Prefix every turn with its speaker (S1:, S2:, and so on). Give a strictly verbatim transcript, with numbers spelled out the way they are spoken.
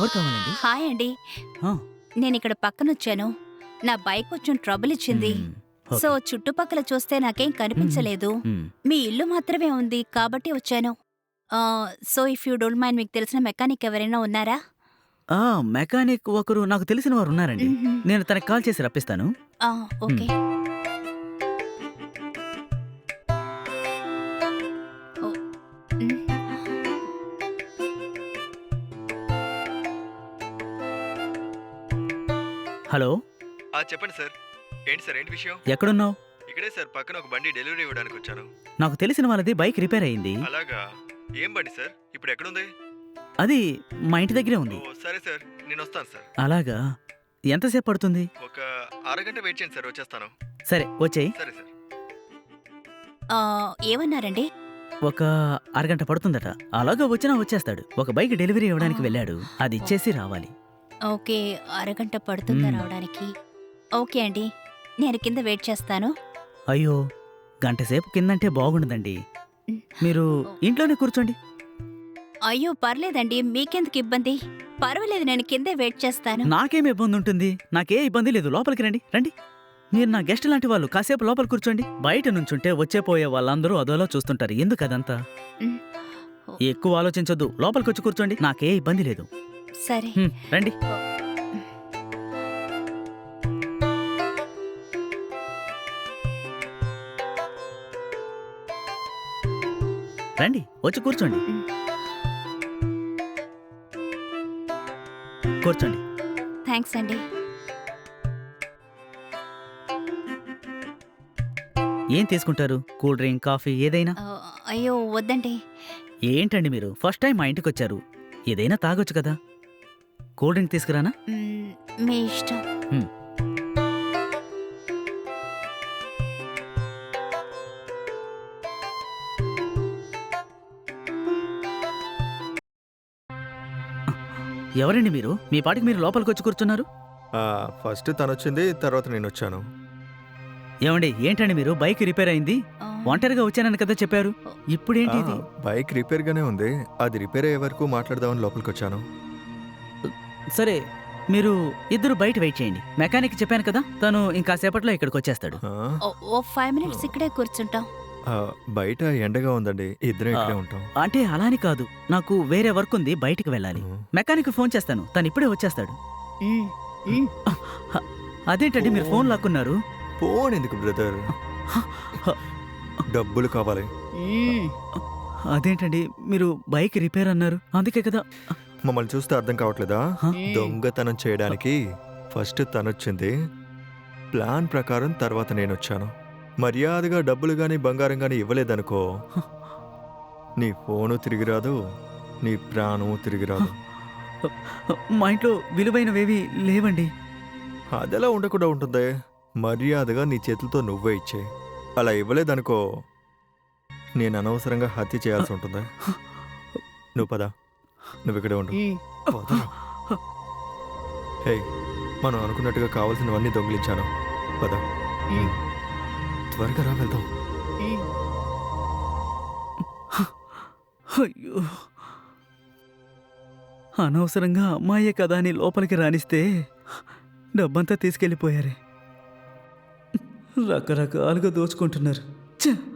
S1: ఎవరు కావాలండి?
S2: హాయ్ అండి.
S1: ఆ,
S2: నేను ఇక్కడ పక్కనొచ్చాను. నా బైక్ కొంచెం ట్రబుల్ ఇచ్చింది.
S1: మ్మ్, ఓకే.
S2: సో చుట్టుపక్కల చూస్తే నాకేం కనిపించలేదు.
S1: మ్మ్.
S2: మీ ఇల్లు మాత్రమే ఉంది కాబట్టి వచ్చాను. ఆ, so if you don't mind మీకు తెలిసిన మెకానిక్ ఎవరైనా ఉన్నారా?
S1: ఆ, మెకానిక్ ఒకరు నాకు తెలిసిన వారు ఉన్నారండి.
S2: మ్మ్.
S1: నేను తనకి కాల్ చేసి రప్పిస్తాను.
S2: ఆ, ఓకే. ఓ, మ్.
S1: హలో,
S3: ఆ చెప్పండి సార్. ఏంటి సార్, ఏంటి విషయం?
S1: ఎక్కడున్నావు?
S3: ఇక్కడే సార్, పక్కన ఒక బండి డెలివరీ ఇవ్వడానికి వచ్చాను.
S1: నాకు తెలిసిన వాళ్ళది బైక్ రిపేర్ అయింది.
S3: అలాగా? ఏం బండి సార్? ఇప్పుడు ఎక్కడుంది?
S1: అది మా ఇంటి దగ్గరే
S3: ఓ
S1: ఉంది.
S3: సరే సార్, నేను వస్తాను సార్.
S1: అలాగా? ఎంతసేపు పడుతుంది?
S3: ఒక అరగంట వెయిట్ చేయండి సార్, వచ్చేస్తాను.
S1: సరే వచ్చేయి.
S3: సరే సార్.
S2: ఆ, ఏమన్నారండి?
S1: ఒక అరగంట పడుతుందట. అలాగా వచ్చినా వచ్చేస్తాడు. ఒక బైక్ డెలివరీ ఇవ్వడానికి
S2: ఆ.
S1: వెళ్ళాడు. అది ఇచ్చేసి రావాలి.
S2: ఓకే, అరగంట పడుతుందా
S1: మ్మ్.
S2: రావడానికి? ఓకే అండి, నేను కింద వెయిట్ చేస్తాను.
S1: అయ్యో, గంట సేపు కిందంటే బాగుండదండి.
S2: మ్.
S1: మీరు ఇంట్లోనే కూర్చోండి.
S2: అయ్యో పర్లేదండి, మీకెందుకు ఇబ్బంది? పర్వాలేదు, నేను కిందే వెయిట్ చేస్తాను.
S1: నాకేం ఇబ్బంది ఉంటుంది? నాకే ఇబ్బంది లేదు. లోపలికి రండి రండి. మీరు నా గెస్ట్ లాంటి వాళ్ళు. కాసేపు లోపల కూర్చోండి. బయట నుంచుంటే వచ్చే పోయే వాళ్ళందరూ అదోలా చూస్తుంటారు. ఎందుకు అదంతా?
S2: మ్.
S1: ఎక్కువ ఆలోచించొద్దు. లోపలికి వచ్చి కూర్చోండి. నాకే ఇబ్బంది లేదు.
S2: సరే.
S1: హ్మ్, రండి. రండి, వచ్చి కూర్చోండి.
S2: మ్.
S1: కూర్చోండి.
S2: థ్యాంక్స్ అండి.
S1: ఏం తీసుకుంటారు? కూల్ డ్రింక్, కాఫీ ఏదైనా?
S2: ఆ, అయ్యో వద్దండి.
S1: ఏంటండి మీరు ఫస్ట్ టైం మా ఇంటికి వచ్చారు. ఏదైనా తాగొచ్చు కదా. కూల్ డ్రింక్ తీసుకురానా?
S2: మ్, మీ ఇష్టం.
S1: హ్మ్. ఎవరండి మీరు? మీ పాటికి మీరు లోపలికి వచ్చి కూర్చున్నారు.
S3: ఆ, ఫస్ట్ తను వచ్చింది, తర్వాత నేను వచ్చాను.
S1: ఏమండి, ఏంటండి మీరు? బైక్ రిపేర్ అయింది.
S2: ఆ,
S1: ఒంటరిగా వచ్చానని కదా చెప్పారు. ఇప్పుడేంటి ఇది?
S3: ఆ, బైక్ రిపేర్ గానే ఉంది. అది రిపేర్ అయ్యే వరకు మాట్లాడదామని లోపలికి వచ్చాను.
S1: సరే, మీరు ఇద్దరు బయట వెయిట్ చేయండి. మెకానిక్ చెప్పాను కదా, తను ఇంకాసేపట్లో ఇక్కడికి వచ్చేస్తాడు.
S3: ఆ,
S2: ఓ- ఓ ఫైవ్ మినిట్స్ ఇక్కడే కూర్చుంటాం.
S3: ఆ, బయట ఎండగా ఉందండి, ఇద్దరం ఇక్కడే ఉంటాం.
S1: అంటే అలాని కాదు, నాకు వేరే వర్క్ ఉంది, బయటికి వెళ్ళాలి.
S3: ఉమ్.
S1: మెకానిక్ ఫోన్ చేస్తాను, తను ఇప్పుడే వచ్చేస్తాడు.
S2: మ్, మ్.
S1: అదేంటండి మీరు ఫోన్ లాక్కున్నారు?
S3: ఫోన్ ఎందుకు బ్రదర్? డబ్బులు కావాలి.
S2: మ్.
S1: అదేంటండి మీరు బైక్ రిపేర్ అన్నారు, అందుకే కదా.
S3: మమ్మల్ని చూస్తే అర్థం కావట్లేదా?
S1: హ?
S3: దొంగతనం చేయడానికి ఫస్ట్ తనొచ్చింది, ప్లాన్ ప్రకారం తర్వాత నేను వచ్చాను. మర్యాదగా డబ్బులు గాని బంగారం గాని ఇవ్వలేదనుకో, నీ ఫోను తిరిగి రాదు, నీ ప్రాణము తిరిగి రాదు.
S1: మా ఇంట్లో విలువైనవేవి లేవండి.
S3: అదెలా ఉండకుండా ఉంటుంది? మర్యాదగా నీ చేతులతో నువ్వే ఇచ్చే. అలా ఇవ్వలేదనుకో, నేను అనవసరంగా హత్య చేయాల్సి ఉంటుంది. నువ్వు పద, నువ్వు ఇక్కడే ఉండు.
S2: మ్.
S3: పదరా. హే, మనం అనుకున్నట్టుగా కావాల్సినవన్నీ దొంగిలించాను. పద,
S2: మ్.
S3: త్వరగా రా, వెళ్దాం.
S2: మ్.
S1: అయ్యో, అనవసరంగా అమ్మాయే కదా అని లోపలికి రానిస్తే డబ్బంతా తీసుకెళ్ళిపోయారే. రకరకాలుగా దోచుకుంటున్నారు. ఛ!